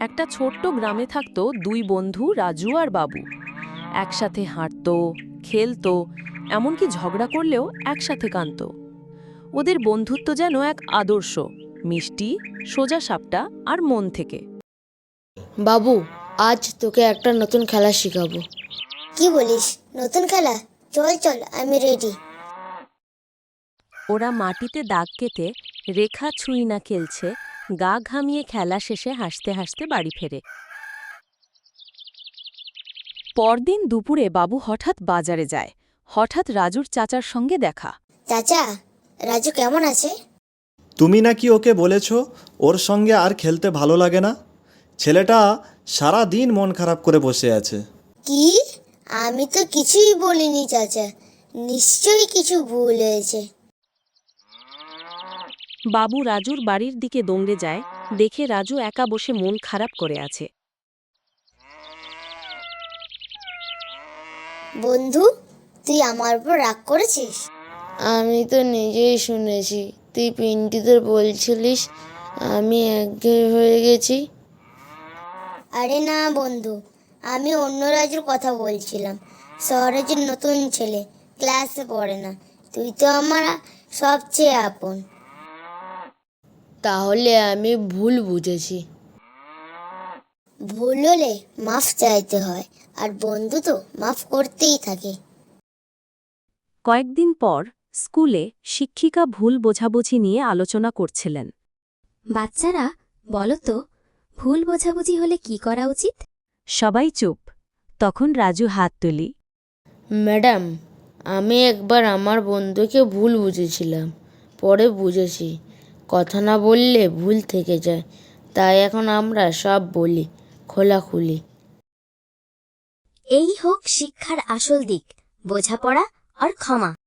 একটা ছোট্ট গ্রামে থাকতো দুই বন্ধু রাজু আর বাবু। একসাথে হাঁটতো, খেলতো, এমনকি ঝগড়া করলেও একসাথে কাঁদতো। ওদের বন্ধুত্ব যেন এক আদর্শ, মিষ্টি, সোজা সাপটা আর মন থেকে। বাবু, আজ তোকে একটা নতুন খেলা শেখাবো। কি বলিস? নতুন খেলা? চল চল, আমি রেডি। ওরা মাটিতে দাগ কেটে রেখা ছুঁই না খেলছে, গা ঘামিয়ে খেলা শেষে হাসতে হাসতে বাড়ি ফেরে। পরদিন দুপুরে বাবু হঠাৎ বাজারে যায়। হঠাৎ রাজুর চাচার সঙ্গে দেখা। চাচা, রাজু কেমন আছে? তুমি নাকি ওকে বলেছ ওর সঙ্গে আর খেলতে ভালো লাগে না? ছেলেটা সারা দিন মন খারাপ করে বসে আছে। কি? আমি তো কিছুই বলিনি চাচা, নিশ্চয়ই কিছু ভুল হয়েছে। বাবু রাজুর বাড়ির দিকে দৌড়ে যায়, দেখে রাজু একা বসে মন খারাপ করে আছে। বন্ধু, তুই আমার উপর রাগ করেছিস? আমি তো নিজেই শুনেছি তুই পিন্টুদের বলছিলিস আমি একঘেয়ে হয়ে গেছি। আরে না বন্ধু, আমি অন্য রাজুর কথা বলছিলাম। শহরে যে নতুন ছেলে, ক্লাসে পড়ে না। তুই তো আমার সবচেয়ে আপন। তাহলে আমি ভুল বুঝেছি। ভুল হলে মাফ চাইতে হয়, আর বন্ধু তো মাফ করতেই থাকে। কয়েকদিন পর স্কুলে শিক্ষিকা ভুল বোঝাবুঝি নিয়ে আলোচনা করছিলেন। বাচ্চারা, বলো তো, ভুল বোঝাবুঝি হলে কি করা উচিত? সবাই চুপ। তখন রাজু হাত তুলি। ম্যাডাম, আমি একবার আমার বন্ধুকে ভুল বুঝেছিলাম, পরে বুঝেছি কথা না বললে ভুল থেকে যায়, তাই এখন আমরা সব বলি খোলাখুলি। এই হোক শিক্ষার আসল দিক, বোঝাপড়া আর ক্ষমা।